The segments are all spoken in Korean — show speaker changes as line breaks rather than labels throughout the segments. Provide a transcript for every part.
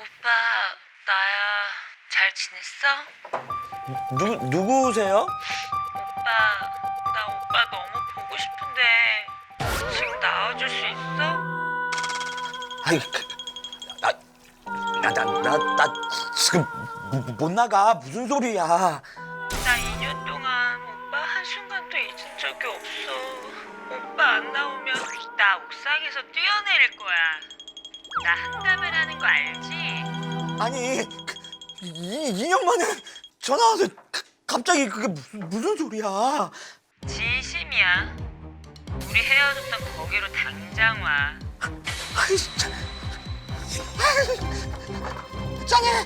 오빠, 나야. 잘 지냈어?
누구세요?
오빠, 나 오빠 너무 보고 싶은데 지금 나와줄 수 있어?
아이, 나 지금 못 나가. 무슨 소리야.
나 2년 동안 오빠 한순간도 잊은 적이 없어. 오빠 안 나오면 나 옥상에서 뛰어내릴 거야. 나 한다면 하는 거 알지?
아니, 2년 만에 전화 와서 갑자기 그게 무슨 소리야.
진심이야. 우리 헤어졌던 거기로 당장 와.
아이, 진짜. 짠해.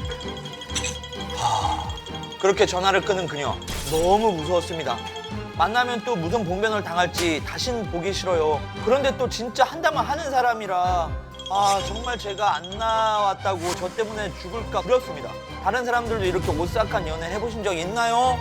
그렇게 전화를 끊은 그녀. 너무 무서웠습니다. 만나면 또 무슨 봉변을 당할지 다신 보기 싫어요. 그런데 또 진짜 한다면 하는 사람이라 정말 제가 안 나왔다고 저 때문에 죽을까 두렵습니다. 다른 사람들도 이렇게 오싹한 연애 해보신 적 있나요?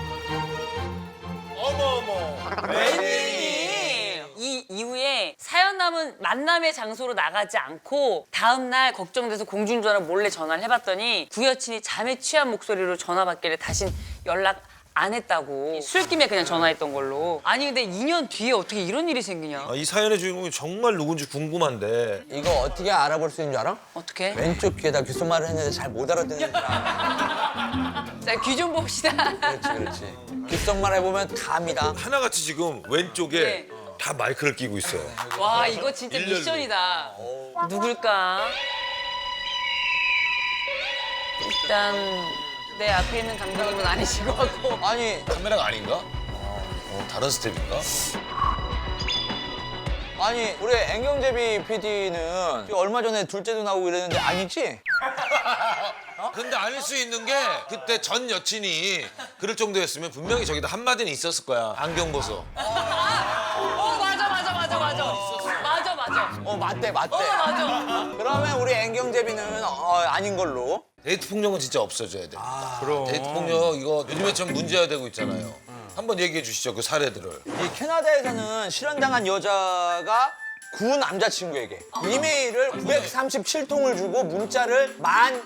웬일이? 이 이후에 사연 남은 만남의 장소로 나가지 않고 다음 날 걱정돼서 공중전화 몰래 전화를 해봤더니 구여친이 잠에 취한 목소리로 전화 받길래 다신 연락 안 했다고. 술김에 그냥 전화했던 걸로. 아니 근데 2년 뒤에 어떻게 이런 일이 생기냐?
이 사연의 주인공이 정말 누군지 궁금한데
이거 어떻게 알아볼 수 있는 줄 알아?
어떻게?
왼쪽 귀에다 귓속말을 했는데 잘 못 알아듣는 사람.
자, 귀 좀 봅시다.
그렇지. 귓속말 해보면 다 압니다.
하나같이 지금 왼쪽에
네.
다 마이크를 끼고 있어요.
와 이거 진짜
일렬로.
미션이다. 누굴까? 일단 내 앞에 있는 감독님은 아니신 것 같고.
아니,
카메라가 아닌가? 다른 스텝인가?
아니 우리 앵경제비 PD는 얼마 전에 둘째도 나오고 이랬는데 아니지?
근데 아닐 수 있는 게 그때 전 여친이 그럴 정도였으면 분명히 저기다 한마디는 있었을 거야. 안경 벗어.
맞아.
맞대.
맞아.
그러면 우리 앵경제비는 아닌 걸로.
데이트 폭력은 진짜 없어져야 됩니다. 그럼. 데이트 폭력 이거 요즘에 좀 문제가 되고 있잖아요. 한번 얘기해 주시죠, 그 사례들을.
이 캐나다에서는 실현당한 여자가 구 남자친구에게 이메일을 937통을 주고 문자를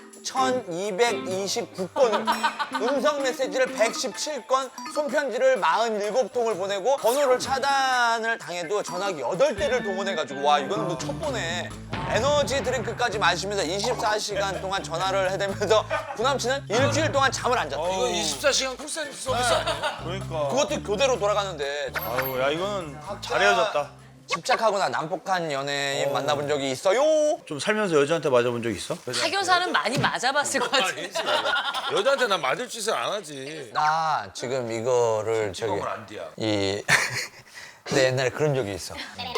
11,229건, 음성 메시지를 117건, 손편지를 47통을 보내고 번호를 차단을 당해도 전화기 8대를 동원해가지고 와 이건 뭐 첩보네. 에너지 드링크까지 마시면서 24시간 동안 전화를 해대면서 구남친은 일주일 동안 잠을 안 잤다.
이거 24시간 콜센터 서비스 아니에요?
그러니까.
그것도 교대로 돌아가는데
아유, 야 이거는 잘 헤어졌다.
집착하거나 난폭한 연예인 만나본 적이 있어요?
좀 살면서 여자한테 맞아본 적 있어?
사교사는 많이 맞아봤을 것 같은데.
여자한테 난 맞을 짓을 안 하지.
나 지금 이거를 저기
을 안 뒤야.
내 옛날에 그런 적이 있어.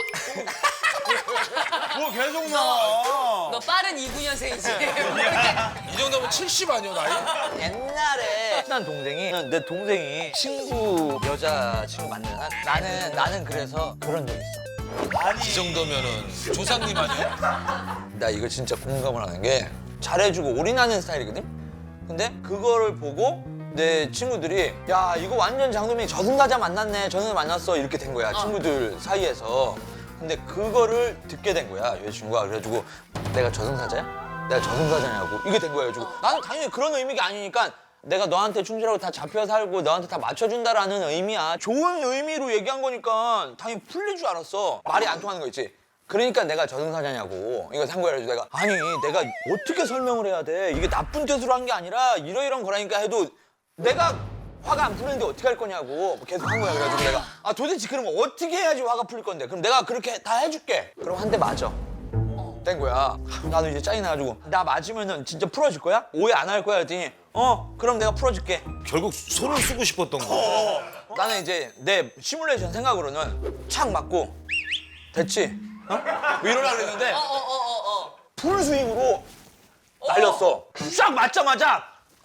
뭐 계속 나와.
너 빠른 29년생이지.
이 정도면 70 아니야, 나이?
옛날에 친한 동생이 내 동생이 친구 여자 친구 만나잖아. 나는 그래서 그런 적 있어.
이 정도면은 조상님 아니야?
나 이거 진짜 공감을 하는 게 잘해주고 올인하는 스타일이거든? 근데 그거를 보고 내 친구들이 야 이거 완전 장동민이 저승사자 만났네, 저승사자 만났어 이렇게 된 거야, 친구들 사이에서. 근데 그거를 듣게 된 거야, 여자친구가. 그래가지고 내가 저승사자야? 내가 저승사자냐고 이게 된 거야. 그래가지고 나는 당연히 그런 의미가 아니니까 내가 너한테 충실하고 다 잡혀 살고 너한테 다 맞춰준다라는 의미야. 좋은 의미로 얘기한 거니까 당연히 풀릴 줄 알았어. 말이 안 통하는 거 있지. 그러니까 내가 저승사자냐고 이거 산 거야. 그래서 내가 아니 내가 어떻게 설명을 해야 돼, 이게 나쁜 뜻으로 한 게 아니라 이러이런 거라니까 해도 내가 화가 안 풀리는데 어떻게 할 거냐고 계속 한 거야. 그래가지고 내가 도대체 그러면 어떻게 해야지 화가 풀릴 건데, 그럼 내가 그렇게 다 해줄게. 그럼 한 대 맞아. 된 거야. 나도 이제 짜증 나가지고 나 맞으면은 진짜 풀어줄 거야? 오해 안 할 거야? 했더니 그럼 내가 풀어줄게.
결국 손을 쓰고 싶었던 거.
나는 이제 내 시뮬레이션 생각으로는 착 맞고 됐지? 뭐 이러려고 그랬는데 풀스윙으로 날렸어. 싹 맞자마자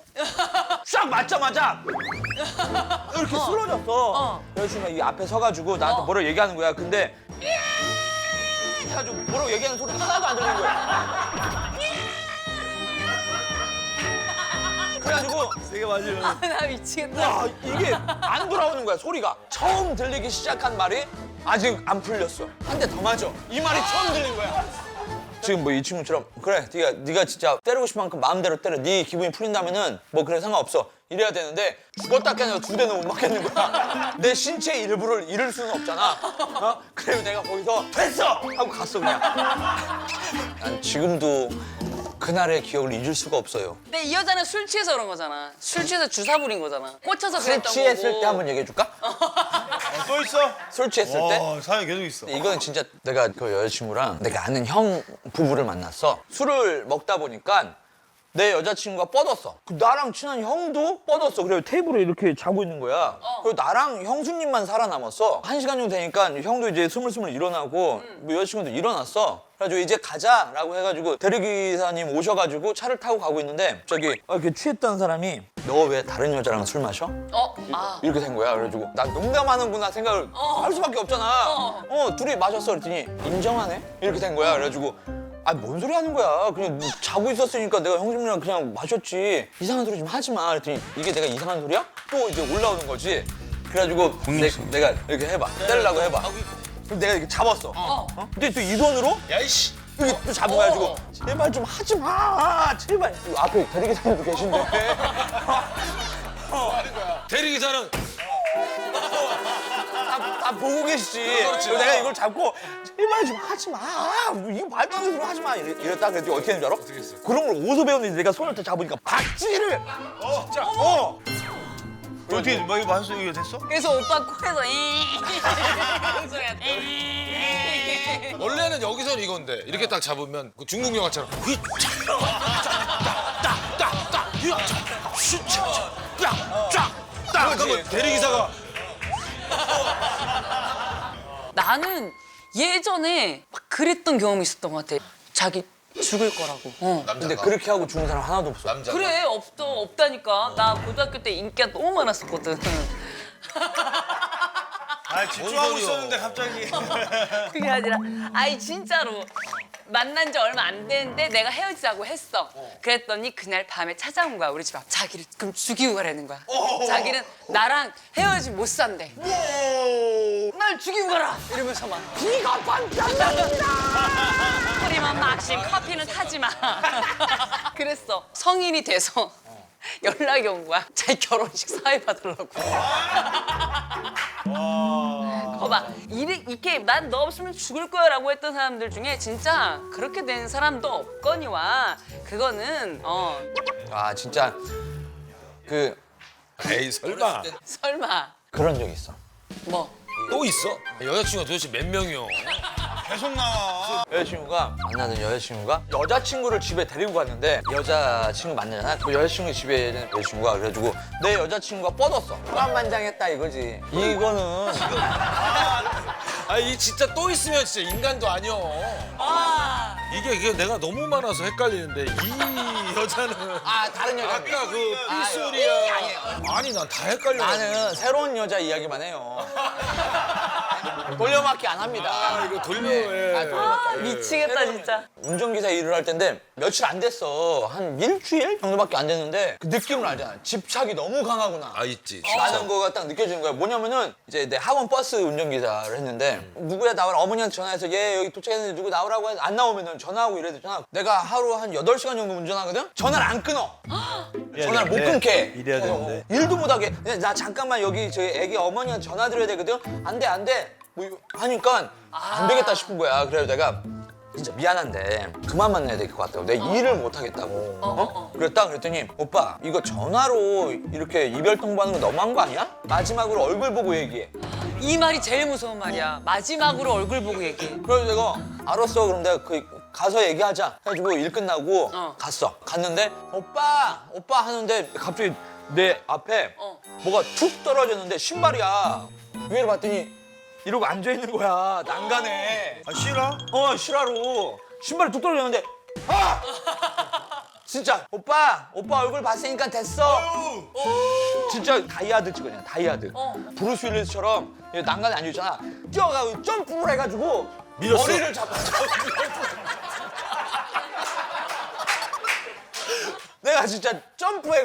이렇게 쓰러졌어. 그래서 이 앞에 서가지고 나한테 뭐라고 얘기하는 거야. 근데 해가지고 뭐라고 얘기하는 소리가 하나도 안 들리는 거야. 그래가지고
세게 맞으면.
나 미치겠다.
와 이게 안 돌아오는 거야, 소리가. 처음 들리기 시작한 말이 아직 안 풀렸어. 한 대 더 맞아. 이 말이 처음 들린 거야. 지금 뭐 이 친구처럼 그래 네가 진짜 때리고 싶은 만큼 마음대로 때려 네 기분이 풀린다면은 뭐 그래 상관없어 이래야 되는데 죽었다 깨나 2대는 못 맞겠는 거야. 내 신체의 일부를 잃을 수는 없잖아. 어? 그래서 내가 거기서 됐어 하고 갔어 그냥. 난 지금도 그날의 기억을 잊을 수가 없어요.
근데 이 여자는 술 취해서 그런 거잖아. 술 취해서 주사 부린 거잖아. 꽂혀서
술
그랬던
취했을
거고.
때 한번 얘기해 줄까?
또 있어?
술 취했을 때?
사연 계속 있어.
이건 진짜 내가 그 여자친구랑 내가 아는 형 부부를 만났어. 술을 먹다 보니까 내 여자친구가 뻗었어. 그 나랑 친한 형도 뻗었어. 그래서 테이블에 이렇게 자고 있는 거야. 그리고 나랑 형수님만 살아남았어. 1시간 정도 되니까 형도 이제 스물스물 일어나고 뭐 여자친구도 일어났어. 그래가지고 이제 가자라고 해가지고 대리기사님 오셔가지고 차를 타고 가고 있는데 저기 이렇게 취했던 사람이 너 왜 다른 여자랑 술 마셔? 이렇게 된 거야. 그래가지고 나 농담하는구나 생각을 할 수밖에 없잖아. 둘이 마셨어. 그랬더니 인정하네? 이렇게 된 거야. 그래가지고 뭔 소리 하는 거야. 그냥 자고 있었으니까 내가 형님이랑 그냥 마셨지. 이상한 소리 좀 하지 마. 그랬더니 이게 내가 이상한 소리야? 또 이제 올라오는 거지. 그래가지고 내가 이렇게 해봐. 때리려고 해봐. 그럼 내가 이렇게 잡았어. 근데 또 이 손으로
야이씨.
이렇게 또 잡아가지고 제발 좀 하지 마. 제발. 앞에 대리기사님도 계신데.
대리기사는
다 보고 계시지.
그렇지.
그래서 내가 이걸 잡고 제발 좀 하지 마. 이거 말도 안 되는 소리 하지 마. 이랬다 그랬더니 어떻게 했는지 알아?
어떻게 했어?
그런 걸 어디서 배웠는지 내가 손을 딱 잡으니까 박쥐를.
진짜.
어떻게 뭐 이거 마셨어? 이거 됐어?
그래서 오빠 코에서 소리가
원래는 여기서는 이건데 이렇게 딱 잡으면 그 중국 영화처럼 딱 그러면 대리기사가
나는 예전에 막 그랬던 경험이 있었던 것 같아. 자기 죽을 거라고.
근데 그렇게 하고 죽은 사람 하나도 없어.
남자.
그래 없다니까. 나 고등학교 때 인기가 너무 많았었거든.
집중하고
소리야.
있었는데 갑자기.
그게 아니라 아이 진짜로 만난 지 얼마 안 됐는데 내가 헤어지자고 했어. 그랬더니 그날 밤에 찾아온 거야 우리 집 앞. 자기를 그럼 죽이고 가라는 거야. 자기는 나랑 헤어지면 못 산대. 날 죽이고 가라 이러면서 막
비가 반짝반짝.
소리만 막씩 커피는 타지 마. 그랬어. 성인이 돼서 연락이 온 거야. 자기 결혼식 사회 받으려고. 거봐 이렇게 난 너 없으면 죽을 거야라고 했던 사람들 중에 진짜 그렇게 된 사람도 없거니와 그거는
진짜 그
에이 설마
설마
그런 적 있어.
뭐
또 있어? 여자친구가 도대체 몇 명이요?
계속 나와.
만나는 여자친구가 여자친구를 집에 데리고 갔는데 여자친구 만나잖아. 그 여자친구 집에 있는 여자친구가 그래가지고 내 여자친구가 뻗었어. 후한만장했다 이거지. 이거는
이 진짜 또 있으면 진짜 인간도 아니여. 이게 내가 너무 많아서 헷갈리는데 이 여자는
다른 여자.
아까 그 삐소리야. 아니 난 다 헷갈려.
나는 새로운 여자 이야기만 해요. 돌려막기 안 합니다.
이거 돌려해.
미치겠다 진짜.
운전기사 일을 할 텐데 며칠 안 됐어. 한 일주일 정도밖에 안 됐는데 그 느낌을 알잖아. 집착이 너무 강하구나.
있지.
라는 거가 딱 느껴지는 거야. 뭐냐면은 이제 내 학원 버스 운전기사를 했는데 누구야 나와라. 어머니한테 전화해서 얘 여기 도착했는데 누구 나오라고 해서 안 나오면은 전화하고 이래야 되잖아. 내가 하루 한 8시간 정도 운전하거든? 전화를 안 끊어. 전화를 못 끊게.
이래야 되는데.
일도 못 하게. 그냥 나 잠깐만 여기 저희 애기 어머니한테 전화 드려야 되거든? 안 돼, 안 돼. 뭐 하니까 안 되겠다 싶은 거야. 그래서 내가 진짜 미안한데 그만 만나야 될 것 같다고. 내가 일을 못 하겠다고. 그랬더니 오빠 이거 전화로 이렇게 이별 통보하는 거 너무한 거 아니야? 마지막으로 얼굴 보고 얘기해.
이 말이 제일 무서운 말이야. 마지막으로 얼굴 보고 얘기해.
그래서 내가 알았어. 그럼 내가 가서 얘기하자. 해가지고 일 끝나고 갔어. 갔는데 오빠 하는데 갑자기 내 앞에 뭐가 툭 떨어졌는데 신발이야. 위를 봤더니 이러고 앉아있는 거야. 난간에.
싫어?
실화로. 신발이 툭 떨어졌는데 진짜 오빠 얼굴 봤으니까 됐어. 진짜 다이아드 찍어냐 다이아드. 브루스 윌리스처럼 난간에 앉아있잖아. 뛰어가고 점프를 해가지고
밀었어?
머리를 잡아. 내가 진짜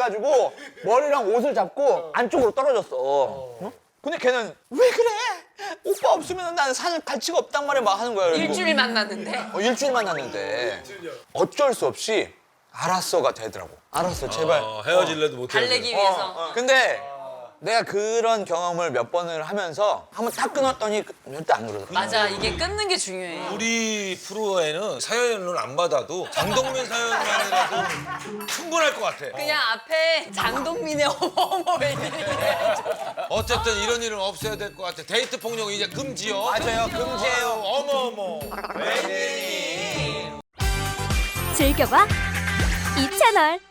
점프해가지고 머리랑 옷을 잡고 안쪽으로 떨어졌어. 근데 걔는 왜 그래? 오빠 없으면 나는 사는 가치가 없단 말이야 막 하는 거야. 그리고
일주일 만났는데.
일주일 만났는데 어쩔 수 없이 알았어가 되더라고. 알았어 제발.
헤어질래도 못해.
달래기 위해서.
근데 내가 그런 경험을 몇 번을 하면서 한번 딱 끊었더니 절대 안 그러더라고.
맞아, 이게 끊는 게 중요해.
우리 프로에는 사연을 안 받아도 장동민 사연만이라도 충분할 것 같아.
그냥 앞에 장동민의 어머 웬일이래.
어쨌든 이런 일은 없어야 될 것 같아. 데이트 폭력 이제 금지요.
맞아요 금지예요.
어머.
즐겨봐 이 채널.